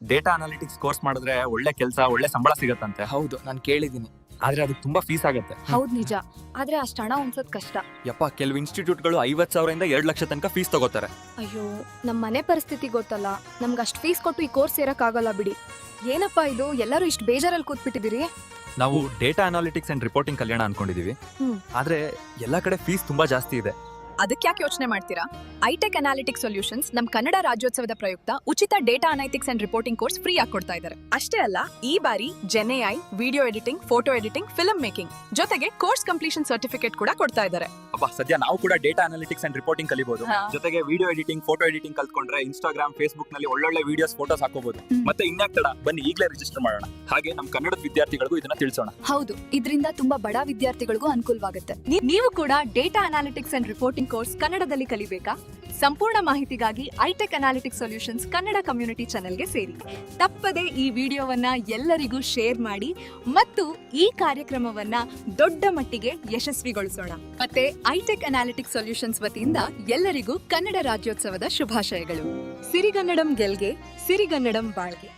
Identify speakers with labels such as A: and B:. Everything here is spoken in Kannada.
A: ಡೇಟಾ ಅನಾಲಿಟಿಕ್ಸ್ ಕೋರ್ಸ್ ಮಾಡಿದ್ರೆ ಒಳ್ಳೆ ಕೆಲಸ, ಒಳ್ಳೆ ಸಂಬಳ ಸಿಗತ್ತಂತೆ.
B: ಹೌದು, ನಾನು ಕೇಳಿದ್ದೀನಿ.
A: ಆದ್ರೆ ಅದಕ್ಕೆ ತುಂಬಾ ಫೀಸ್ ಆಗುತ್ತೆ.
C: ಹೌದ್ ನಿಜ, ಆದ್ರೆ ಅಷ್ಟು ಹಣ ಹೊಂದ್ಸೋದ್ ಕಷ್ಟ.
B: ಯಪ್ಪ, ಕೆಲವು ಇನ್ಸ್ಟಿಟ್ಯೂಟ್ಗಳು 50,000 ಇಂದ 2 ಲಕ್ಷ ತನಕ ಫೀಸ್ ತಗೋತಾರೆ.
C: ಅಯ್ಯೋ, ನಮ್ ಮನೆ ಪರಿಸ್ಥಿತಿ ಗೊತ್ತಲ್ಲ, ನಮ್ಗೆ ಅಷ್ಟು ಫೀಸ್ ಕೊಟ್ಟು ಈ ಕೋರ್ಸ್ ಸೇರಕ್ಕಾಗಲ್ಲ ಬಿಡಿ. ಏನಪ್ಪಾ ಇದು, ಎಲ್ಲರೂ ಇಷ್ಟು ಬೇಜಾರಲ್ಲಿ ಕೂತ್ಬಿಟ್ಟಿದ್ದೀರಿ?
A: ನಾವು ಡೇಟಾ ಅನಾಲಿಟಿಕ್ಸ್ ಅಂಡ್ ರಿಪೋರ್ಟಿಂಗ್ ಕಲ್ಯಾಣ ಅನ್ಕೊಂಡಿದೀವಿ. ಆದ್ರೆ ಎಲ್ಲಾ ಕಡೆ ಫೀಸ್ ತುಂಬಾ ಜಾಸ್ತಿ ಇದೆ.
D: ಅದಕ್ಕೆ ಯಾಕೆ ಯೋಚನೆ ಮಾಡ್ತೀರಾ? ಐಟೆಕ್ ಅನಾಲಿಟಿಕ್ಸ್ ಸೊಲ್ಯೂಷನ್ಸ್ ನಮ್ ಕನ್ನಡ ರಾಜ್ಯೋತ್ಸವದ ಪ್ರಯುಕ್ತ ಉಚಿತ data analytics and reporting course free ಆಗಿ ಕೊಡ್ತಾ ಇದ್ದಾರೆ. ಅಷ್ಟೇ ಅಲ್ಲ, ಈ ಬಾರಿ gen AI, video editing, photo editing, film making ಜೊತೆಗೆ ಕೋರ್ಸ್ ಕಂಪ್ಲೀಷನ್ ಸರ್ಟಿಫಿಕೇಟ್ ಕೂಡ ಕೊಡ್ತಾ ಇದ್ದಾರೆ.
A: ಅಬ್ಬಾ, ಸದ್ಯ ನಾವು ಕೂಡ ಡೇಟಾ ಅನಾಲಿಟಿಕ್ಸ್ ಅಂಡ್ ರಿಪೋರ್ಟಿಂಗ್ ಕಲಿಬಹುದು. ಜೊತೆಗೆ ವಿಡಿಯೋ ಎಡಿಟಿಂಗ್, ಫೋಟೋ ಎಡಿಟಿಂಗ್ ಕಲ್ತ್ಕೊಂಡ್ರೆ ಇನ್ಸ್ಟಾಗ್ರಾಮ್, ಫೇಸ್ಬುಕ್ ನಲ್ಲಿ ಒಳ್ಳೊಳ್ಳೆ ವಿಡಿಯೋಸ್, ಫೋಟೋಸ್ ಹಾಕೋಬಹುದು. ಮತ್ತೆ ಇನ್ಯಾಕ್ ತಡ, ಬನ್ನಿ ಈಗಲೇ ರಿಜಿಸ್ಟರ್ ಮಾಡೋಣ. ಹಾಗೆ ನಮ್ ಕನ್ನಡದ ವಿದ್ಯಾರ್ಥಿಗಳಿಗೂ ಇದನ್ನ ತಿಳಿಸೋಣ.
C: ಹೌದು, ಇದರಿಂದ ತುಂಬಾ ಬಡ ವಿದ್ಯಾರ್ಥಿಗಳಿಗೂ ಅನುಕೂಲವಾಗುತ್ತೆ.
D: ನೀವು ಕೂಡ data analytics and reporting course ಕನ್ನಡದಲ್ಲಿ ಕಲಿಬೇಕಾ? ಸಂಪೂರ್ಣ ಮಾಹಿತಿಗಾಗಿ ITech analytics solutions Kannada community ಚಾನೆಲ್ಗೆ ಸೇರಿ. ತಪ್ಪದೆ ಈ ವಿಡಿಯೋವನ್ನ ಎಲ್ಲರಿಗೂ ಶೇರ್ ಮಾಡಿ ಮತ್ತು ಈ ಕಾರ್ಯಕ್ರಮವನ್ನ ದೊಡ್ಡ ಮಟ್ಟಿಗೆ ಯಶಸ್ವಿಗೊಳಿಸೋಣ. ಮತ್ತೆ ಐಟೆಕ್ ಅನಾಲಿಟಿಕ್ಸ್ ಸೊಲ್ಯೂಷನ್ಸ್ ವತಿಯಿಂದ ಎಲ್ಲರಿಗೂ ಕನ್ನಡ ರಾಜ್ಯೋತ್ಸವದ ಶುಭಾಶಯಗಳು. ಸಿರಿಗನ್ನಡಂ ಗೆಲ್ಗೆ, ಸಿರಿಗನ್ನಡಂ ಬಾಳ್ಗೆ.